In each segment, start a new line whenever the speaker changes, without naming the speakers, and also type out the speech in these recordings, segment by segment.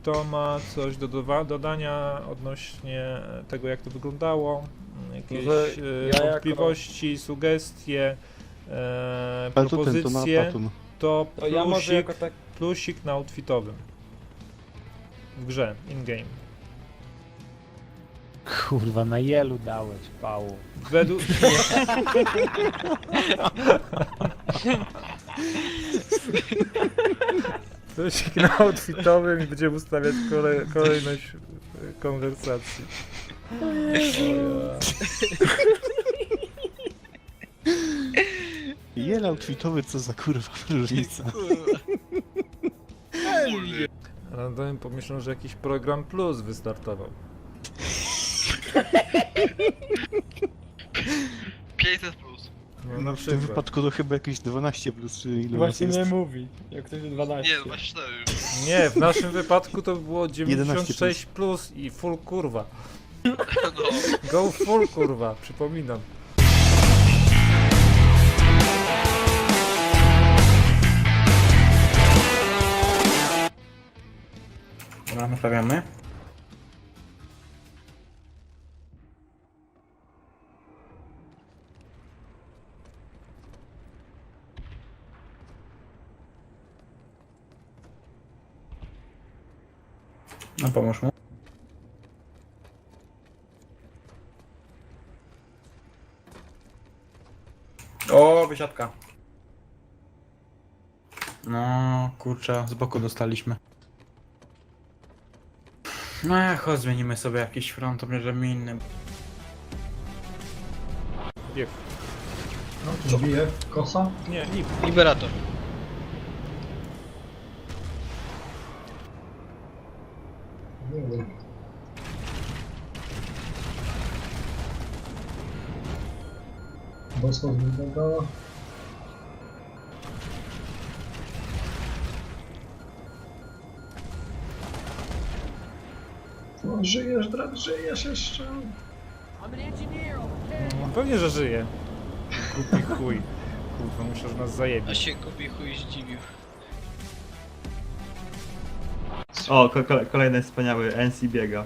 Kto ma coś do dodania odnośnie tego, jak to wyglądało? Jakieś wątpliwości, sugestie, propozycje? To
ja może
plusik,
jako tak...
plusik na outfitowym. W grze, in-game.
Kurwa, na jelu dałeś, pału.
Według... Plusik na outfitowym i będziemy ustawiać kolejność konwersacji. O ja.
Jel outfitowy, co za kurwa różnica.
Random pomyślał, że jakiś program plus wystartował.
500 plus.
No, na
W tym
przykład.
wypadku to chyba jakieś 12 plus, czy ile
Właśnie
nas
nie
jest.
mówi, jak ktoś 12.
Nie, 24 już.
Nie, w naszym wypadku to było 96
11
plus i full kurwa.
No.
Go full kurwa, przypominam.
Dobra, naprawiamy. No pomóż mu. O, wysiadka. No, kurczę, z boku dostaliśmy. No, chodź, zmienimy sobie jakiś front, obierzemy inny.
Bieg.
Co bije? Kosa?
Nie, lip.
Liberator.
Nie wiem. Bosła wyglądała. No, żyjesz, Drat, żyjesz jeszcze.
No, pewnie, że żyje. Głupi chuj. Kurwa, muszę, że nas
A
zajebie.
się kupi chuj zdziwił.
O, kolejny wspaniały NC biega.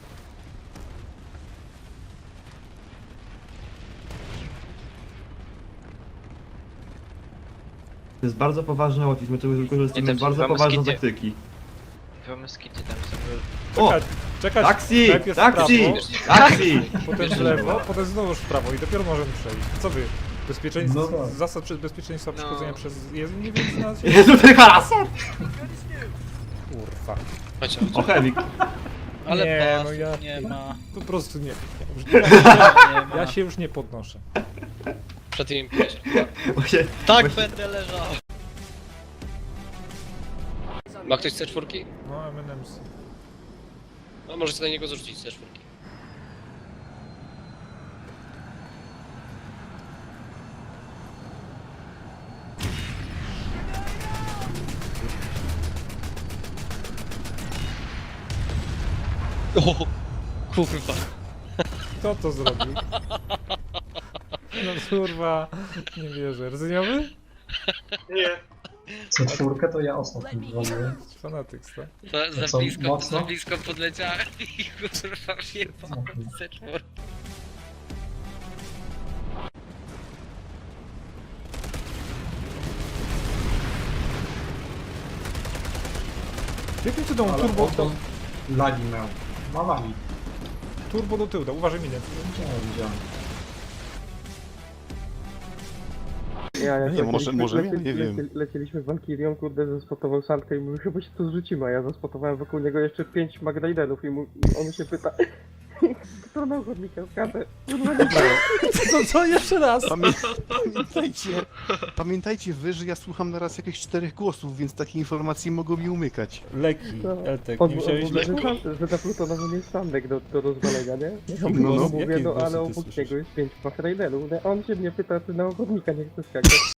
To jest bardzo poważny outfit, my tu wykorzystujemy
Nie, to
bardzo
wam
poważne
skity.
taktyki.
Mamy skity tam sobie.
O!
Czekać,
Taksi!
najpierw w
Taksi!
prawo,
Taksi!
potem w lewo, potem znowu w prawo i dopiero możemy przejść. Co wy? Bezpieczeństwo,
No tak.
zasad bezpieczeństwa przechodzenia
No.
przez jezdnię, nie wiem, na
Jezu, ten harasor!
Kurwa.
Chodź,
O, Heavy.
ale
Nie,
pas,
no ja-
nie ma.
Po prostu nie.
Nie ma.
Ja się już nie podnoszę.
Przed tym imprezie.
Właśnie,
Tak
właśnie-
będę leżał. Ma ktoś C4?
No, M&M's.
No możecie na niego zarzucić C4. O, kurwa.
Kto to zrobił? No kurwa, nie wierzę. Rdzeniowy?
C4 to ja ostatnio dzwoniłem.
Fanatyk, co?
Za
Co,
blisko,
mocno?
za blisko podleciałem i kurwa wjebałem C4.
Jakim cudem
Ale
turbo,
oto lagi miał. Ma lagi.
turbo do tyłu, uważaj minę.
Widziałem.
No nie, może ja nie wiem.
Lecieliśmy w Valkyrią, kurde, zaspotował Sandkę i mówił, chyba się tu zrzucimy, a ja zaspotowałem wokół niego jeszcze 5 Magdalenerów i on się pyta, kto na ochotnika skacze? Kurwa, nie wiem.
Co jeszcze raz?
Pamiętajcie wy, że ja słucham naraz jakieś 4 głosów, więc takie informacje mogą mi umykać.
Leki,
No.
Eltek,
On
nie wziąłeś leku?
że na Plutonowo jest Sandek do rozwalenia, nie? Ja
No,
mu
no.
mówię,
Jakie
no
głosy
ale
ty
obok
słyszysz?
niego jest 5 Magdalenerów, on się mnie pyta, czy na ochotnika nie chce skakać.